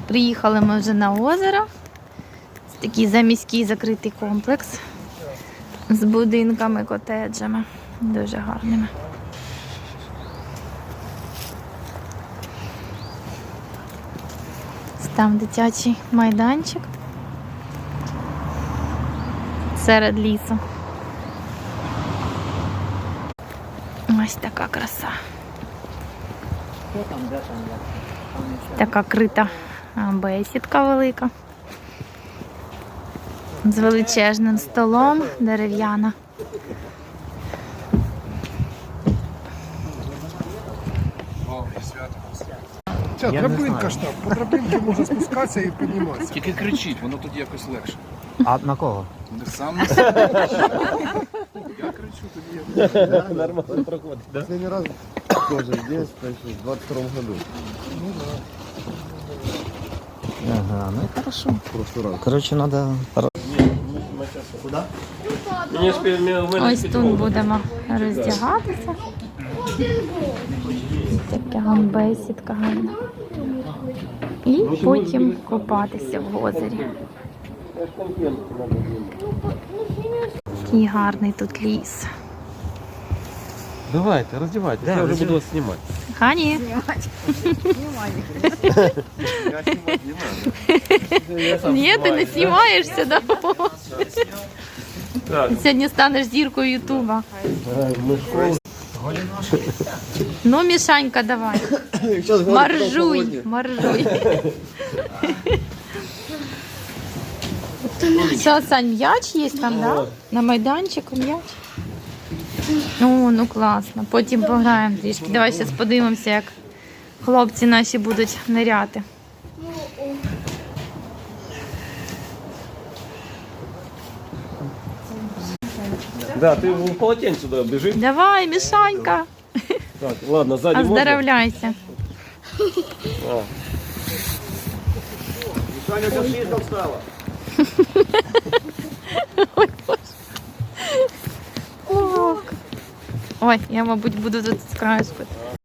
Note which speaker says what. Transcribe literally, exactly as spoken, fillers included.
Speaker 1: Приїхали ми вже на озеро. Це такий заміський закритий комплекс з будинками, котеджами. Дуже гарними. Там дитячий майданчик серед лісу. Ось така краса. Така крита бесідка велика. З величезним столом, дерев'яна.
Speaker 2: Ця драбинка ж там, по драбинці можна спускатися і підніматися.
Speaker 3: Тільки кричіть, воно тоді якось легше.
Speaker 4: А на кого?
Speaker 3: Не сам на себе. Я кричу тоді.
Speaker 4: Нормально проходить, да?
Speaker 5: Последний раз тоже здесь, значит, в двадцать втором году.
Speaker 4: Ага, ну и хорошо.
Speaker 5: В прошлый раз.
Speaker 4: Короче, надо... Куда?
Speaker 1: Ось тут будемо роздягатися. Така вам бесідка гарна. І потім купатися в озері. Такий гарний тут ліс.
Speaker 4: Давайте, раздевайтесь, да, я уже буду вас снимать.
Speaker 1: Хані. Ні, ти не знімаєшся, да? Ти сьогодні станеш зіркою Ютуба. Ну, Мішанька, давай. Маржуй, маржуй. Що, Сань, м'яч є там, да? На майданчику м'яч? О, ну класно. Потім пограємо трішки. Давай зараз подивимося, як хлопці наші будуть ниряти.
Speaker 6: Да, ты в полотенце сюда бежи.
Speaker 1: Давай, Мішанька.
Speaker 6: Так, ладно, сзади можно?
Speaker 1: Оздоровляйся.
Speaker 6: Саня, как слишком встала.
Speaker 1: Ой, Боже. Ох. Ой, я, мабуть, буду тут з краю спити.